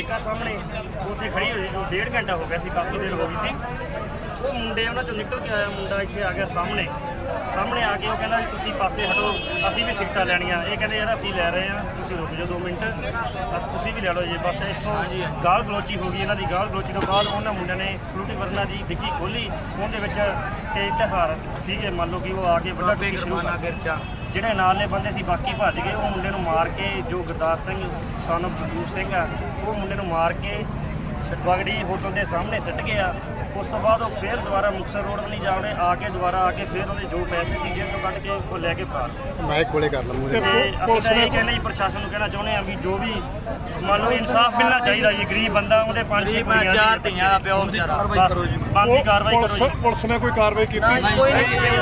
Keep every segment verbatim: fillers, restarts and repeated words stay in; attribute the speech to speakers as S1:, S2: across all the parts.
S1: Bike ਆ ਸਾਹਮਣੇ ਉੱਥੇ ਖੜੀ ਹੋਈ ਜੋ ਡੇਢ ਘੰਟਾ ਹੋ ਗਿਆ ਸੀ, ਕਾਫੀ ਦੇਰ ਹੋ ਗਈ ਸੀ। ਉਹ ਮੁੰਡੇ ਉਹਨਾਂ ਚੋਂ ਨਿਕਲ ਕੇ ਆਇਆ ਮੁੰਡਾ, ਇੱਥੇ ਆ ਗਿਆ ਸਾਹਮਣੇ ਸਾਹਮਣੇ ਆ ਕੇ ਉਹ ਕਹਿੰਦਾ ਵੀ ਤੁਸੀਂ ਪਾਸੇ ਹਟੋ, ਅਸੀਂ ਵੀ ਸਿਗਰਟਾਂ ਲੈਣੀਆਂ। ਇਹ ਕਹਿੰਦੇ ਯਾਰ ਅਸੀਂ ਲੈ ਰਹੇ ਹਾਂ, ਤੁਸੀਂ ਰੁਕ ਜਾਓ ਦੋ ਮਿੰਟ, ਬਸ ਤੁਸੀਂ ਵੀ ਲੈ ਲਓ ਜੀ। ਬਸ ਇੱਥੋਂ ਗਾਲ ਗਲੋਚੀ ਹੋ ਗਈ ਇਹਨਾਂ ਦੀ। ਗਾਲ ਗਲੋਚੀ ਤੋਂ ਬਾਅਦ ਉਹਨਾਂ ਮੁੰਡਿਆਂ ਨੇ ਫਰੂਟੀ ਵਰਨਾ ਦੀ ਡਿੱਗੀ ਖੋਲੀ, ਉਹਦੇ ਵਿੱਚ ਕਈ ਤਿਉਹਾਰ ਸੀਗੇ, ਮੰਨ ਲਓ ਕਿ ਉਹ ਆ ਕੇ ਵੱਡਾ ਟੁੱਕੀ ਸ਼ੁਰੂ ਕਰ ਗਿਰਚਾ। ਜਿਹੜੇ ਨਾਲ ਦੇ ਬੰਦੇ ਸੀ ਬਾਕੀ ਭੱਜ ਗਏ। ਉਹ ਮੁੰਡੇ ਨੂੰ ਮਾਰ ਕੇ, ਜੋ ਗੁਰਦਾਸ ਸਿੰਘ ਸਨ ਆਫ ਜਗਰੂਪ ਸਿੰਘ ਆ, ਉਹ ਮੁੰਡੇ ਨੂੰ ਮਾਰ ਕੇ ਬਗੜੀ ਹੋਟਲ ਦੇ ਸਾਹਮਣੇ ਸਿੱਟ ਗਿਆ। ਉਸ ਤੋਂ ਬਾਅਦ ਉਹ ਫਿਰ ਦੁਬਾਰਾ ਮੁਕਤਸਰ ਰੋਡ ਵੱਲ ਜਾ ਵੜੇ, ਆ ਕੇ ਦੁਬਾਰਾ ਆ ਕੇ ਫਿਰ ਉਹਦੇ ਜੋ ਪੈਸੇ ਸੀ ਜੇਬ ਤੋਂ ਕੱਢ ਕੇ ਉਹ ਲੈ ਕੇ ਫਰਾਰ।
S2: ਮੈਂ ਕੋਲੇ ਕਰ ਲਵਾਂ।
S1: ਤੇ ਅਸੀਂ ਤਾਂ ਇਹ ਕਹਿੰਦੇ ਜੀ, ਪ੍ਰਸ਼ਾਸਨ ਨੂੰ ਕਹਿਣਾ ਚਾਹੁੰਦੇ ਆ ਵੀ ਜੋ ਵੀ ਮੰਨ ਲਓ ਇਨਸਾਫ ਮਿਲਣਾ ਚਾਹੀਦਾ ਜੀ। ਗਰੀਬ ਬੰਦਾ, ਉਹਦੇ ਪੰਜ ਛੇ ਕੁੜੀਆਂ, ਚਾਰ ਧੀਆਂ ਦਾ ਪਿਓ ਵਿਚਾਰਾ। ਬਸ ਬਣਦੀ ਕਾਰਵਾਈ ਕਰੋ ਜੀ।
S2: ਪੁਲਿਸ ਨੇ ਕੋਈ ਕਾਰਵਾਈ ਕੀਤੀ?
S1: ਕੋਈ ਨਹੀਂ ਕੀਤੀ।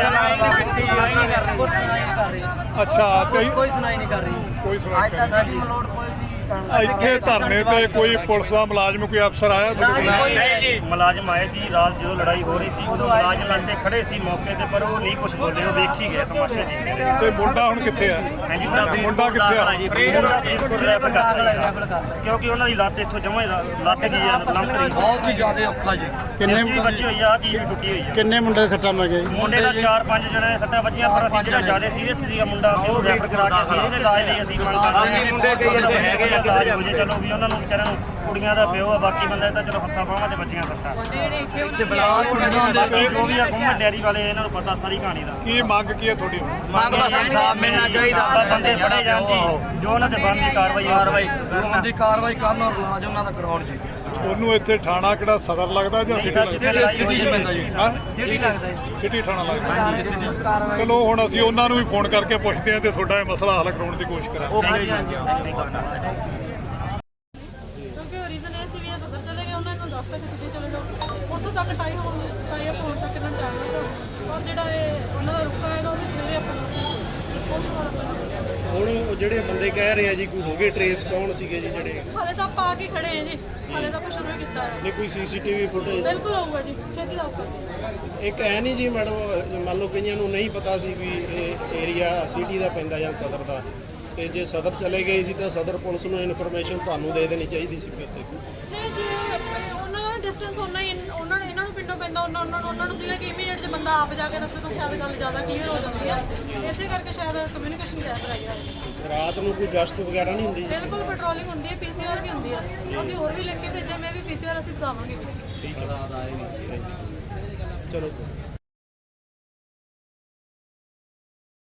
S2: ਅੱਛਾ,
S3: ਕੋਈ ਸੁਣਾਈ ਨਹੀਂ ਕਰ ਰਹੀ।
S2: ਕੋਈ ਸੁਣਾਈ
S3: ਅੱਜ ਤਾਂ ਸਾਡੀ ਮਲੋੜ ਕੋਈ ਵੀ
S2: ਇੱਥੇ ਧਰਨੇ ਤੇ ਕੋਈ ਪੁਲਿਸ ਦਾ ਮੁਲਾਜ਼ਮ, ਕੋਈ ਅਫਸਰ ਆਇਆ ਤੁਹਾਡੇ ਕੋਲ?
S1: ਨਹੀਂ ਜੀ, ਮੁਲਾਜ਼ਮ ਆਏ ਸੀ ਰਾਤ ਜਦੋਂ ਲੜਾਈ ਹੋ ਰਹੀ ਸੀ, ਉਦੋਂ ਮੁਲਾਜ਼ਮ ਇੱਥੇ ਖੜੇ ਸੀ ਮੌਕੇ ਤੇ, ਪਰ ਉਹ ਨਹੀਂ ਕੁਝ ਬੋਲੇ, ਉਹ ਦੇਖ ਹੀ ਗਏ ਤਮਾਸ਼ਾ ਜੀ।
S2: ਤੇ ਮੁੰਡਾ ਹੁਣ ਕਿੱਥੇ ਆ?
S1: ਹਾਂਜੀ,
S2: ਮੁੰਡਾ ਕਿੱਥੇ ਆ?
S1: ਰੈਫਰ ਕਰਤਾ, ਕਿਉਂਕਿ ਉਹਨਾਂ ਦੀ ਲੱਤ ਇੱਥੋਂ ਜਮਾਂ ਲੱਤ ਗਈ ਆ, ਲੰਮ ਰਹੀ।
S3: ਬਹੁਤ ਹੀ ਜ਼ਿਆਦਾ ਔਖਾ ਜੀ।
S2: ਕਿੰਨੇ
S1: ਬੱਚੇ ਹੋਈ ਆ, ਚੀਜ਼ ਵੀ ਟੁੱਟੀ ਹੋਈ ਆ।
S2: ਕਿੰਨੇ ਮੁੰਡੇ ਸੱਟਾਂ ਲੱਗੇ?
S1: ਮੁੰਡੇ ਦਾ ਚਾਰ ਪੰਜ ਜਣੇ ਦੇ ਸੱਟਾਂ ਵੱਜੀਆਂ, ਪਰ ਅਸੀਂ ਜਿਹੜਾ ਜ਼ਿਆਦਾ ਸੀਰੀਅਸ ਸੀਗਾ ਮੁੰਡਾ, ਅਸੀਂ ਉਹ ਰੈਫਰ ਕਰਾ ਕੇ ਅਸੀਂ ਉਹਦੇ ਇਲਾਜ ਲਈ ਅਸੀਂ ਮੰਗ ਕਰਦੇ ਮੁੰਡੇ ਕਈ ਹੈਗੇ ਆ ਇਲਾਜ ਹੋ ਜੇ। ਚਲੋ ਵੀ ਉਹਨਾਂ ਨੂੰ ਵਿਚਾਰਿਆਂ ਨੂੰ, ਕੁੜੀਆਂ ਦਾ ਪਿਓ ਆ, ਬਾਕੀ ਬੰਦੇ ਤਾਂ ਚਲੋ ਹੱਥਾਂ ਬਾਹਾਂ ਤੇ ਬੱਚੀਆਂ ਸੱਟਾਂ। ਬਾਕੀ ਜੋ ਵੀ ਆ ਗੁੰਮਟ ਡੈਰੀ ਵਾਲੇ, ਇਹਨਾਂ ਨੂੰ ਪਤਾ ਸਾਰੀ ਕਹਾਣੀ ਦਾ।
S2: ਕੀ ਮੰਗ ਕੀ ਹੈ ਤੁਹਾਡੀ?
S1: ਮੰਗ ਬਸ ਇਨਸਾਫ ਮਿਲਣਾ ਚਾਹੀਦਾ, ਬੰਦੇ ਫੜੇ ਜਾਣ ਜੀ, ਜੋ ਉਹਨਾਂ ਤੇ ਬਣਦੀ ਕਾਰਵਾਈ ਕਾਰਵਾਈ
S3: ਦੀ ਕਾਰਵਾਈ ਕਰਨ ਔਰ ਇਲਾਜ ਉਹਨਾਂ ਦਾ ਕਰਾਉਣ ਜੀ।
S2: ਉਹਨੂੰ ਇੱਥੇ ਥਾਣਾ ਕਿਹੜਾ ਸਦਰ ਲੱਗਦਾ ਜਾਂ ਸਿਟੀ ਲੱਗਦਾ?
S3: ਸਿਟੀ ਚ ਪੈਂਦਾ ਜੀ।
S2: ਹਾਂ,
S1: ਸਿਟੀ ਲੱਗਦਾ ਜੀ।
S2: ਸਿਟੀ ਥਾਣਾ ਲੱਗਦਾ। ਚਲੋ ਹੁਣ ਅਸੀਂ ਉਹਨਾਂ ਨੂੰ ਵੀ ਫੋਨ ਕਰਕੇ ਪੁੱਛਦੇ ਹਾਂ ਤੇ ਤੁਹਾਡਾ ਇਹ ਮਸਲਾ ਹੱਲ ਕਰਾਉਣ ਦੀ ਕੋਸ਼ਿਸ਼ ਕਰਾਂਗੇ।
S1: ਹਾਂਜੀ ਹਾਂਜੀ
S4: ਕਿਉਂਕਿ ਰੀਜ਼ਨ ਇਹ ਸੀ ਵੀ ਇਹ ਸਦਰ ਚਲੇ ਗਏ, ਉਹਨਾਂ ਨੂੰ ਦੱਸਤਾ ਕਿ ਸਿੱਧੇ ਚਲੇ ਜਾਓ। ਉੱਥੋਂ ਤੱਕ ਟਾਈ ਹੋਣ ਟਾਈ ਅਪ ਹੋਣ ਤੱਕ ਇਹਨਾਂ ਨੂੰ ਟਾਈਮ ਲੱਗਾ, ਔਰ ਜਿਹੜਾ ਇਹ ਉਹਨਾਂ ਦਾ ਰੁਕਾ ਹੈ ਉਹ ਵੀ ਸਵੇਰੇ ਆਪਣਾ
S2: ਹੁਣ ਉਹ ਜਿਹੜੇ ਬੰਦੇ ਕਹਿ ਰਹੇ ਆ ਜੀ, ਕੋਈ ਹੋ ਗਏ ਟਰੇਸ, ਕੌਣ ਸੀਗੇ ਜੀ ਜਿਹੜੇ?
S4: ਹਾਲੇ ਤਾਂ ਆਪਾਂ ਆ ਕੇ ਖੜੇ ਹਾਂ ਜੀ, ਹਾਲੇ ਤਾਂ ਕੁਛ ਸ਼ੁਰੂ ਕੀਤਾ ਹੈ।
S2: ਨਹੀਂ ਕੋਈ ਸੀਸੀਟੀਵੀ ਫੁਟੇਜ?
S4: ਬਿਲਕੁਲ ਹੋਊਗਾ ਜੀ, ਛੇਤੀ ਦੱਸ ਸਕਦੇ।
S2: ਇੱਕ ਐ ਨਹੀਂ ਜੀ ਮੈਡਮ, ਮੰਨ ਲਓ ਕਈਆਂ ਨੂੰ ਨਹੀਂ ਪਤਾ ਸੀ ਵੀ ਇਹ ਏਰੀਆ ਸਿਟੀ ਦਾ ਪੈਂਦਾ ਜਾਂ ਸਦਰ ਦਾ, ਤੇ ਜੇ ਸਦਰ ਚਲੇ ਗਏ ਸੀ ਤਾਂ ਸਦਰ ਪੁਲਿਸ ਨੂੰ ਇਨਫੋਰਮੇਸ਼ਨ ਤੁਹਾਨੂੰ ਦੇ ਦੇਣੀ ਚਾਹੀਦੀ ਸੀ।
S4: ਨਹੀਂ ਜੀ, ਉਹਨਾਂ ਦਾ ਡਿਸਟੈਂਸ ਉਹਨਾਂ ਹੀ ਉਹਨਾਂ ਨੇ ਇਹਨਾਂ ਨੂੰ ਪਿੰਡੋਂ ਪੈਂਦਾ, ਉਹਨਾਂ ਉਹਨਾਂ ਨੂੰ ਉਹਨਾਂ ਨੂੰ ਸੀਗਾ ਕਿ ਇਮੀਡੀਏਟ ਜੇ ਬੰਦਾ ਆਪ ਜਾ ਕੇ ਦੱਸੇ ਤਾਂ ਸ਼ਾਇਦ ਗੱਲ ਜ਼ਿਆਦਾ ਕਲੀਅਰ ਹੋ ਜਾਂਦੀ ਹੈ। ਇਸੇ ਕਰਕੇ ਸ਼ਾਇਦ ਕਮਿਊਨੀਕੇਸ਼ਨ ਗੈਪ ਰਹਿ ਗਿਆ।
S2: ਰਾਤ ਨੂੰ ਕੋਈ ਗਸ਼ਤ ਵਗੈਰਾ ਨਹੀਂ ਹੁੰਦੀ?
S4: ਬਿਲਕੁਲ ਪੈਟਰੋਲਿੰਗ ਹੁੰਦੀ ਹੈ, ਪੀਸੀਆਰ ਵੀ ਹੁੰਦੀ ਹੈ। ਅਸੀਂ ਹੋਰ ਵੀ ਲਿਖ ਕੇ ਭੇਜੇ, ਮੈਂ ਵੀ ਪੀਸੀਆਰ ਅਸੀਂ ਬਤਾਵਾਂਗੇ।
S2: ਠੀਕ ਹੈ, ਚਲੋ।